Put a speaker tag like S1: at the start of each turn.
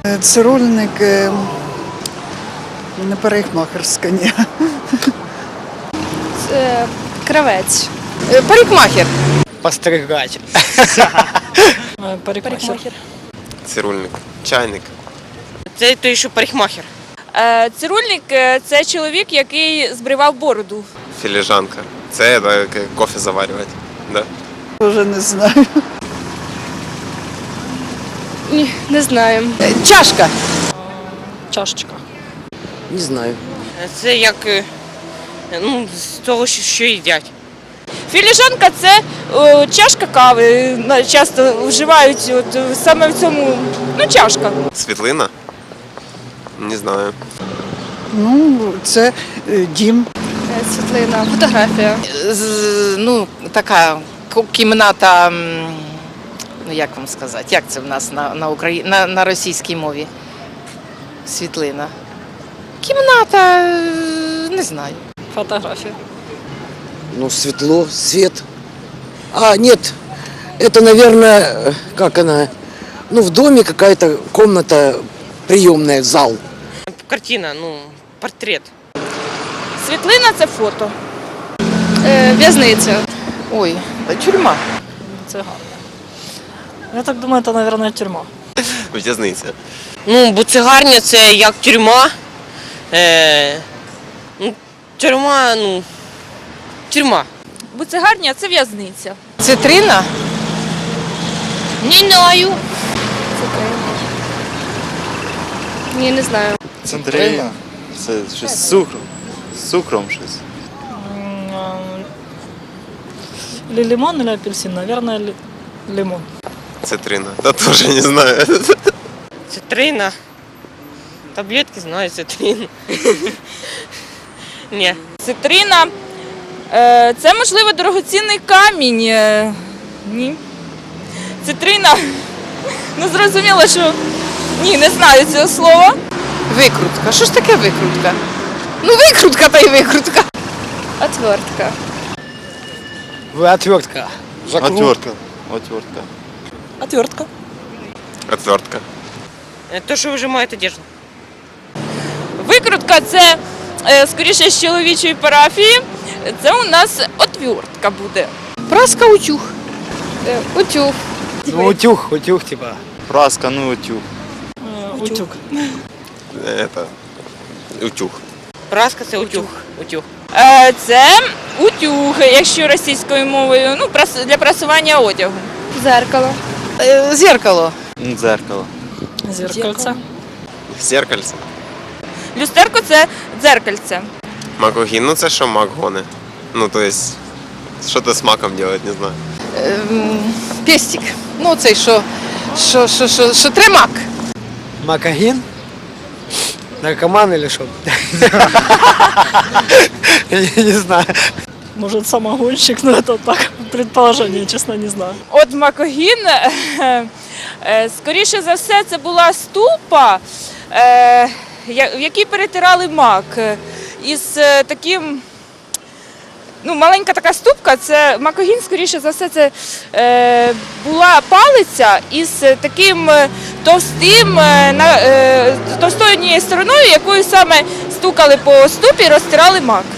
S1: Цирульник не парикмахерська, ні.
S2: Кравець.
S3: Парикмахер.
S4: Постригач.
S2: Парикмахер.
S5: Цирульник. Чайник.
S3: Це той, що парикмахер.
S2: Цирульник – це чоловік, який збривав бороду.
S5: Філіжанка. Це кофе заварювати. Да?
S1: Вже не знаю.
S2: Ні, не знаю.
S3: Чашка.
S2: Чашечка.
S4: Не знаю.
S3: Це як з того, що їдять.
S2: Філіжанка – це чашка кави. Часто вживають саме в цьому, чашка.
S5: Світлина? Не знаю.
S1: Це дім.
S2: Світлина, фотографія.
S3: Така кімната, як вам сказати, як це в нас на російській мові? Світлина. Кімната, не знаю.
S2: Фотографія.
S4: Светло, свет. Нет, это, наверное, как она, в доме какая-то комната приемная, зал.
S3: Картина, портрет.
S2: Світлина – це фото. В'язниця.
S3: Ой, тюрма.
S6: Це гарно. Я так думаю, це, мабуть, тюрма.
S5: В'язниця.
S3: Буцегарня – це як тюрма. Тюрма.
S2: Буцегарня – це в'язниця.
S3: Цитрина?
S2: Не знаю. Ні, не знаю.
S7: Центрина. Це щось з цукром. З цукром щось.
S6: Лимон или апельсин? Наверное, лимон.
S5: Цитрина. Да тоже не знаю.
S3: Цитрина. Таблетки знаю, цитрин. Ні.
S2: Цитрина – це, можливо, дорогоцінний камінь. Ні. Цитрина – зрозуміло, що ні, не знаю цього слова.
S3: Викрутка. Що ж таке викрутка? Викрутка та й викрутка.
S2: Отвертка.
S4: Отвертка.
S7: Отвертка.
S6: Отвертка.
S5: Отвертка.
S3: То, що вижимають одежду.
S2: Викрутка – це, скоріше, з чоловічої парафії. Це у нас отвертка буде.
S3: Праска, утюг.
S2: Утюг.
S4: Утюг, типа.
S7: Праска, утюг.
S6: Утюг.
S5: Это утюг.
S3: Праска – це утюг. Утюг.
S2: Це утюг, якщо російською мовою, для прасування одягу. Зеркало.
S3: Зеркало.
S7: Дзеркало.
S6: Зеркальце.
S5: Зеркальце.
S2: Люстерко – це дзеркальце.
S5: Макогін, це що мак гоне? То есть, що-то з маком делать, не знаю.
S3: Пестик. Цей, що тримак.
S4: Макагин? Наркоман или что? Я не знаю.
S6: Может, самогонщик, но это так, предположение, честно, не знаю.
S2: От макогін, скоріше за все, це була ступа, в якій перетирали мак. Із таким, маленька така ступка, це макогін, скоріше за все, це була палиця із таким товстою однією стороною, якою саме стукали по ступі і розтирали мак.